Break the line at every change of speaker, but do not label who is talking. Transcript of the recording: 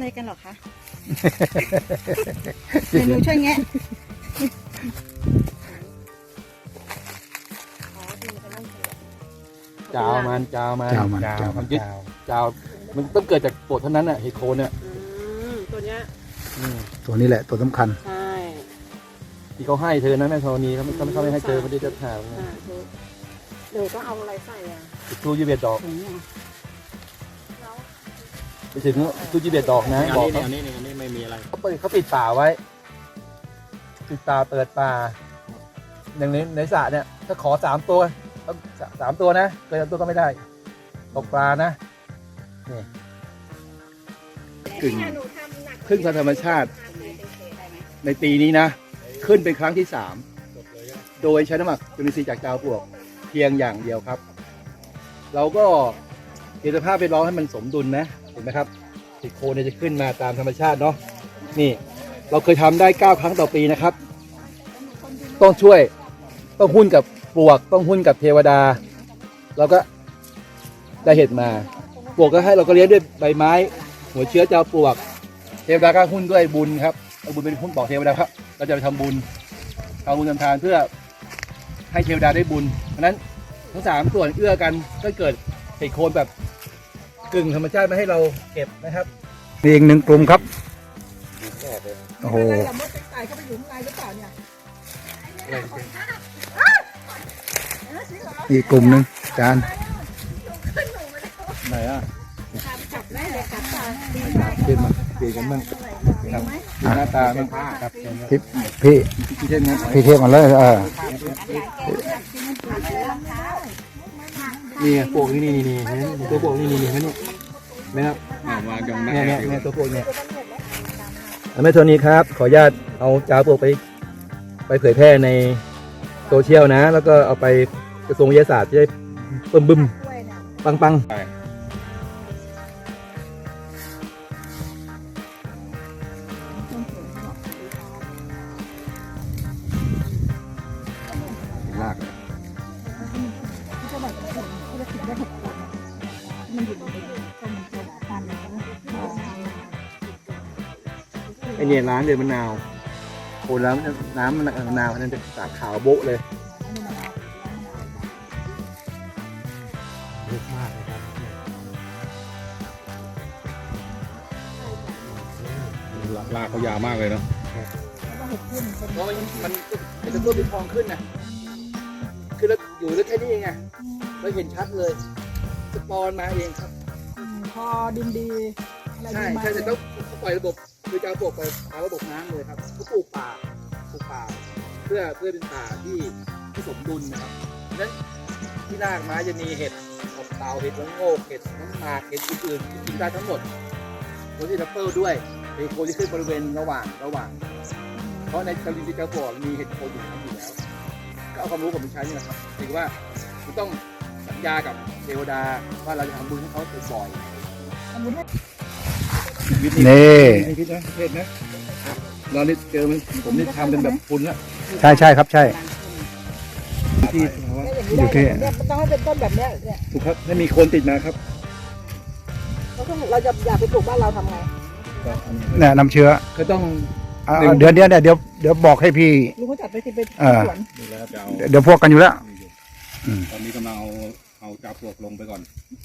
กันหรอคะเดี๋ยวหนูช่วยแงะ
จาวมันความยึดจาวมันต้องเกิดจากปวดเท่านั้นน่ะเฮโคนเนี่ย
ตัวเนี้ย
ตัวนี้แหละตัวสำคัญ
ใช่
ที่เขาให้เธอนะแม่ธรณีเขาไม่ให้เธอไม่ได้จะถาม
เดี๋ยวต้องเอาอะไรใส่อ่ะ
ทูยีเบียดดอกไปถึงทูยีเบียดดอกนะบอกเขา
นี่ไม่มีอะไร
เขาปิดป่าไว้ปิดป่าเปิดป่าอย่างในสระเนี่ยถ้าขอ3 ตัวต้อง3 ตัวนะเกิน3 ตัวก็ไม่ได้ตกปลานะนี่ขึ้นธรรมชาติในปีนี้นะขึ้นเป็นครั้งที่3โดยใช้น้ำหมักจุลินทรีย์จากจาวปลวกเพียงอย่างเดียวครับเราก็เห็นสภาพแวดล้อมให้มันสมดุลนะเห็นไหมครับติดโคนจะขึ้นมาตามธรรมชาติเนาะนี่เราเคยทำได้9 ครั้งต่อปีนะครับต้องช่วยต้องหุ้นกับปลวกต้องหุ้นกับเทวดาเราก็ได้เห็ดมาปลวกก็ให้เราก็เลี้ยงด้วยใบไม้หัวเชื้อจาวปลวกเทวดาก็หุ้นด้วยบุญครับเอาบุญเป็นหุ้นบอกเทวดาครับเราจะไปทำบุญเอาบุญทำทานเพื่อให้เทวดาได้บุญเพราะนั้นทั้ง3 ส่วนเอื้อกันก็เกิดเห็ดโคนแบบกึ่งธรรมชาติมาให้เราเก็บนะครับ
นี่อีก1 กลุ่มครับโอ้โหอีกกลุ่มหนึ่งจาน
ไหนอ่ะ
ขึ้นมา
ปีกันมั่งครับหน้าตามันครับ
พี่เทพมาเลย
นี่ปลวกนี่ตัวปลวกนี่เห็นไหมนี่ไหมครับเนี่ยตัวปลวกเนี่ยแม่โทนี่ครับขออนุญาตเอาจาวปลวกไปเผยแพร่ในโซเชียลนะแล้วก็เอาไปกระทรวงวิทยาศาสตร์จะได้บึ้มปังลากไอเนี่ยร้านเดือดมะนาวโคนแล้วน้ำมะนาวนั่นจะสาขาวโบ๊ะเลยเยอะมากเลยครับ
ลากเขายาวมากเลยเนาะ
เพราะมันเป็นต้นเป็นทองขึ้นนะคือเราอยู่ได้แค่นี้เองไงเราเห็นชัดเลยสปอนมาเองครับ
พอดินดี
ใช่แต่ต้องปล่อยระบบคือจะเอาปลูกไปเอาระบบน้ำเลยครับเขาปลูกป่าเพื่อเป็นป่าที่สมดุลนะครับนั้นที่รากไม้จะมีเห็ดเต่าเห็ดละโงกเห็ดน้ำหมากเห็ดอื่นๆกินได้ทั้งหมดโคที่ทัพเปิลด้วยเห็ดโคนที่ขึ้นบริเวณระหว่างเพราะในจุลินทรีย์จาวปลวกมีเห็ดโคนอยู่แล้วก็เอาความรู้ผมไปใช้นี่แหละครับถือว่าคุณต้องสัญญากับเทวดาว่าเราจะทำบุญให้เขาบ่อยนี่คิดนะเทศนะเรานี่เจอมันผมนี่ทำเป็นแบบคุณละ
ใช่ครับใช่
ที่
อยู่ที่
ต้องให้เป็นต้นแบบนี้
ถูกครับให้มีคนติดมาครับ
เราจะอยากไปปลูกบ้านเราทำไง
เนี่ยนำเชื้อ
ก็ต้อง
เดี๋ยวบอกให้พี่
ลุงเขาจัดไปที่เป็นสวน
เดี๋ยวพวกกันอยู่แล้ว
ตอนนี้กำลังเอาจาวปลวกลงไปก่อน